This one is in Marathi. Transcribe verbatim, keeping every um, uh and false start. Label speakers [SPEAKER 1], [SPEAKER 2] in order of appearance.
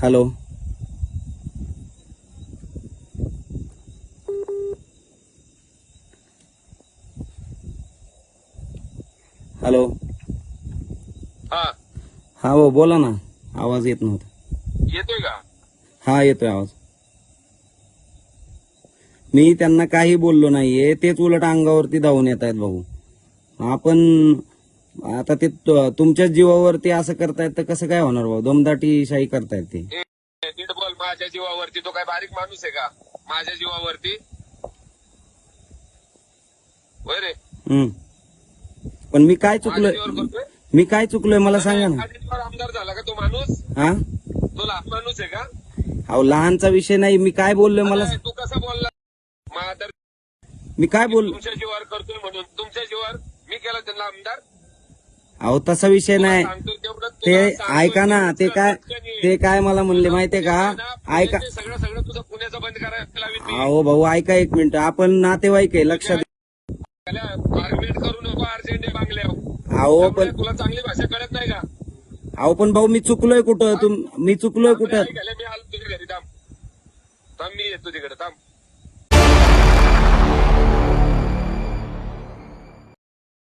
[SPEAKER 1] हॅलो हॅलो
[SPEAKER 2] हा
[SPEAKER 1] हा हो बोला ना. आवाज येत नव्हता.
[SPEAKER 2] येतोय का?
[SPEAKER 1] हा येतोय आवाज. मी त्यांना काही बोललो नाहीये, तेच उलट अंगावरती धावून येत आहेत भाऊ. आपण आता ते तु- तुमच्याच जीवावरती असं करतायत तर कसं काय होणार भाऊ? दमदाटी शाही करतायत ते.
[SPEAKER 2] ए, नीट बोल. माझ्या जीवावरती तो काय बारीक माणूस आहे का? माझ्या जीवावरती होय रे.
[SPEAKER 1] हम्म पण मी काय
[SPEAKER 2] माझ्या
[SPEAKER 1] चुकलोय?
[SPEAKER 2] जीवावर करतोय.
[SPEAKER 1] मी काय चुकलोय मला सांगा ना.
[SPEAKER 2] माझ्या जीवावर आमदार झाला का तो माणूस?
[SPEAKER 1] हा
[SPEAKER 2] तो लहान माणूस आहे का?
[SPEAKER 1] अहो लहानचा विषय नाही. मी काय बोललोय मला
[SPEAKER 2] अरे, तू कसा बोलला? माझा
[SPEAKER 1] मी काय बोल
[SPEAKER 2] तुमच्या जीवावर करतोय म्हणून तुमच्या जीवावर मी केला त्यांना आमदार.
[SPEAKER 1] अहो तसा विषय
[SPEAKER 2] तुला
[SPEAKER 1] नाही.
[SPEAKER 2] सांगतोय तेवढं
[SPEAKER 1] ते
[SPEAKER 2] तुला सांगतोय
[SPEAKER 1] ऐका ना,
[SPEAKER 2] तेवढंच
[SPEAKER 1] ते
[SPEAKER 2] कर,
[SPEAKER 1] काय
[SPEAKER 2] पटकन ये.
[SPEAKER 1] ते काय मला म्हणले माहितीये का?
[SPEAKER 2] पुण्याचं
[SPEAKER 1] ऐका
[SPEAKER 2] ते सगळं सगळं तुझं पुण्याचं बंद करायला लावीन मी.
[SPEAKER 1] अहो भाऊ ऐका एक मिनिट. आपण नातेवाईक आहे, लक्षात
[SPEAKER 2] आर्ग्युमेंट करू नको अर्जंट आहे बांगल्यावर.
[SPEAKER 1] अहो पण
[SPEAKER 2] त्यामुळे तुला चांगली भाषा कळत नाही का?
[SPEAKER 1] अहो पण भाऊ मी चुकलोय कुठं? तुम मी चुकलोय कुठं?
[SPEAKER 2] मी आलो तुझ्या घरी. थांब थांब मी येतो तिकडे. थांब.